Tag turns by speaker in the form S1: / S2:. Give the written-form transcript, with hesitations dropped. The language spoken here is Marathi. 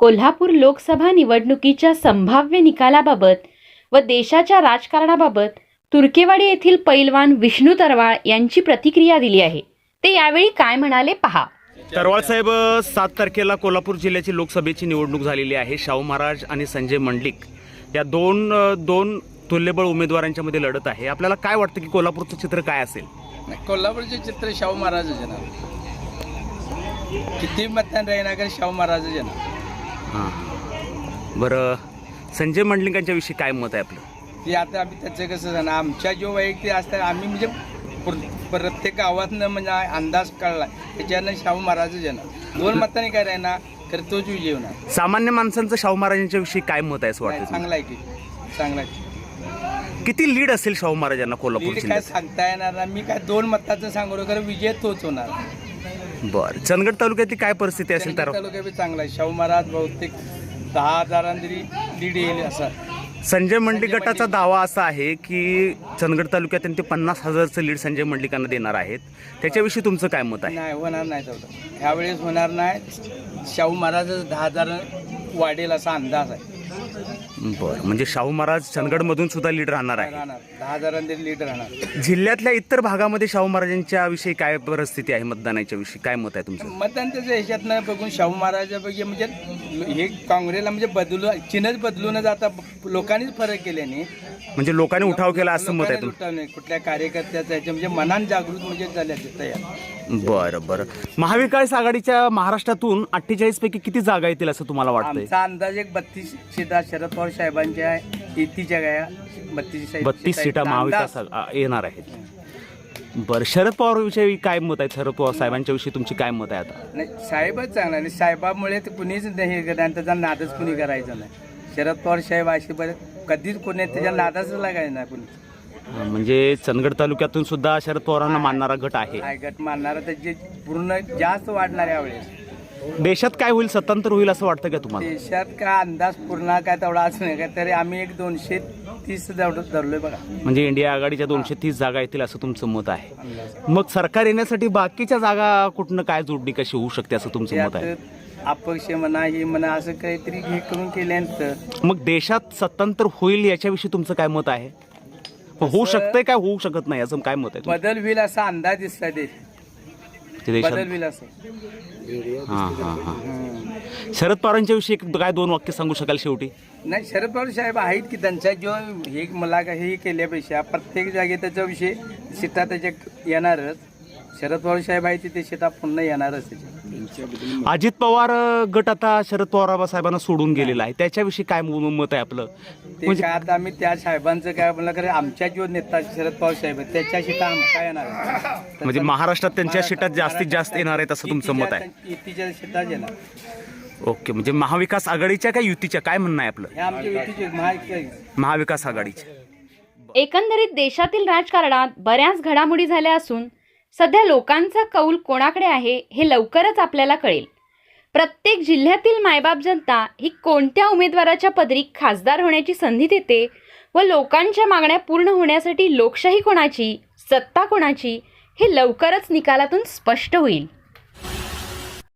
S1: कोल्हापूर लोकसभा निवडणुकीच्या संभाव्य निकालाबाबत व देशाच्या राजकारणाबाबत तुर्केवाडी येथील पैलवान विष्णू तरवाळ यांची प्रतिक्रिया दिली आहे। ते यावेळी काय म्हणाले पहा।
S2: तरवाळ साहेब, 7 तारखेला कोल्हापूर जिल्ह्याची लोकसभेची निवडणूक झालेली आहे। शाहू महाराज आणि संजय मंडलिक या दोन तुल्यबळ उमेदवारांच्या मध्ये लढत आहे। आपल्याला काय वाटतं की कोल्हापूरचं चित्र काय असेल?
S3: कोल्हापूरचे चित्र शाहू महाराज येणार, किती मतदान राहीना का शाहू महाराज येणार।
S2: हां, बरं, संजय मंडलिकांच्या विषयी काय मत आहे आपलं?
S3: की आता आम्ही त्याचं कसं झालं, आमच्या जो वैयक्तिक असतात आम्ही म्हणजे प्रत्येक गावातनं म्हणजे अंदाज कळला त्याच्यानं शाहू महाराज येणार। 2 मतांनी काय राहीना तर तोच विजय होणार।
S2: सामान्य माणसांचं शाहू महाराजांच्या विषयी काय मत आहे असं वाटतं?
S3: चांगला आहे की चांगला आहे।
S2: किती लीड असेल शाहू महाराजांना कोल्हापूर
S3: काय
S2: जिल्ह्यात?
S3: सांगता येणार ना, मी काय 2 मताचं सांगू खरं विजय तोच होणार।
S2: बरं, चंदगड तालुक्यातली काय परिस्थिती असेल? तर
S3: तालुका बी चांगला आहे। शाहू महाराज बहुतेक 10,000 तरी लीड येईल असं।
S2: संजय मंडलिक गटाचा दावा असा आहे की चंदगड तालुक्यात ते 50,000चं लीड संजय मंडलिकांना देणार आहेत। त्याच्याविषयी तुमचं काय मत आहे?
S3: नाही, होणार नाही तेवढं, ह्यावेळेस होणार नाही। शाहू महाराज 10,000 वाढेल असा अंदाज आहे।
S2: बरं, म्हणजे शाहू महाराज चंदगडमधून सुद्धा लीड राहणार आहे।
S3: राहणार 10,000 तरी लीड राहणार।
S2: जिल्ह्यातल्या इतर भागामध्ये शाहू महाराजांच्या विषयी काय परिस्थिती आहे? मतदानाच्या विषयी काय मत आहे तुमचं?
S3: मतदान त्याच्या ह्याच्यातनं बघून शाहू महाराजापैकी म्हणजे हे काँग्रेसला म्हणजे चिन्हच बदलून जाता लोकांनीच फरक केल्याने,
S2: म्हणजे लोकांनी उठाव केला असं मत आहे तुमचं?
S3: नाही, कुठल्या कार्यकर्त्याचं ह्याच्या म्हणजे मनान जागृत म्हणजे झाल्या तयार।
S2: बरं बरं, महाविकास आघाडीच्या महाराष्ट्रातून 48 पैकी किती जागा येतील असं तुम्हाला वाटतंय?
S3: आमचा अंदाज एक 32 सीटा शरद पवार साहेबांच्या युतीच्या गाया 32
S2: सीटा महाविकास येणार आहेत। बरं, शरद पवार विषयी काय मत आहे? शरद पवार साहेबांच्या विषयी तुमची काय मत आहे? आता
S3: नाही, साहेबच चांगला नाही, साहेबामुळे तर कुणीच नाही करणार, त्याचा नादच कुणी करायचा नाही। शरद पवार साहेब अशी कधीच कोणी त्याच्या नादाच लागायचं नाही कुणी।
S2: म्हणजे चंदगड तालुक्यातून सुद्धा शरद पवारांना मानणारा गट आहे।
S3: गट मानणारा त्याचे पूर्ण जास्त वाढणार यावेळेस।
S2: देशात काय होईल? स्वतंत्र होईल असं वाटतं का तुम्हाला?
S3: देशात का अंदाज पूर्ण काय तेवढा असं नाही का, तरी आम्ही एक 230 धरलोय बघा।
S2: म्हणजे इंडिया आघाडीच्या 230 जागा येतील असं तुमचं मत आहे। मग सरकार येण्यासाठी बाकीच्या जागा कुठनं काय जोडणी कशी होऊ शकते असं तुमचं मत आहे?
S3: अपक्ष म्हणा हे म्हणा असं काहीतरी हे करून केल्यानंतर
S2: मग देशात स्वतंत्र होईल याच्याविषयी तुमचं काय मत आहे? होऊ शकतंय काय होऊ शकत नाही असं काय मत आहे?
S3: बदल होईल असा अंदाज दिसतोय देश, बदल होईल असं।
S2: हां हां हां, शरद पवारांच्या विषयी काय 2 वाक्य सांगू शकाल शेवटी?
S3: नाही, शरद पवार साहेब आहेत की त्यांचा जो हे मला हे केल्यापेक्षा प्रत्येक जागे त्याचा विषय सीटा त्याच्या येणारच। शरद पवार साहेब आहे ते सीटा पुन्हा येणारच त्याच्या।
S2: अजित पवार गट आता शरद पवार साहेबांना सोडून गेलेला आहे, त्याच्याविषयी काय मत आहे आपलं?
S3: ते काय आता आम्ही त्या साहेबांचं काय म्हणलं खरं, आमच्या जो नेता शरद पवार साहेब आहेत त्याच्या सीटा काय येणार,
S2: म्हणजे महाराष्ट्रात त्यांच्या सीटात जास्तीत जास्त येणार आहेत असं तुमचं मत आहे?
S3: युतीच्या सीटा येणार।
S2: ओके, म्हणजे महाविकास आघाडीच्या काय युतीच्या, काय म्हणणं आहे आपलं?
S3: हे आमच्या युतीचे
S2: महाविकास आघाडीच्या।
S1: एकंदरीत देशातील राजकारणात बऱ्याच घडामोडी झाल्या असून सध्या लोकांचा कौल कोणाकडे आहे हे लवकरच आपल्याला कळेल। प्रत्येक जिल्ह्यातील मायबाप जनता ही कोणत्या उमेदवाराच्या पदरी खासदार होण्याची संधी देते व लोकांच्या मागण्या पूर्ण होण्यासाठी लोकशाही कोणाची, सत्ता कोणाची हे लवकरच निकालातून स्पष्ट होईल।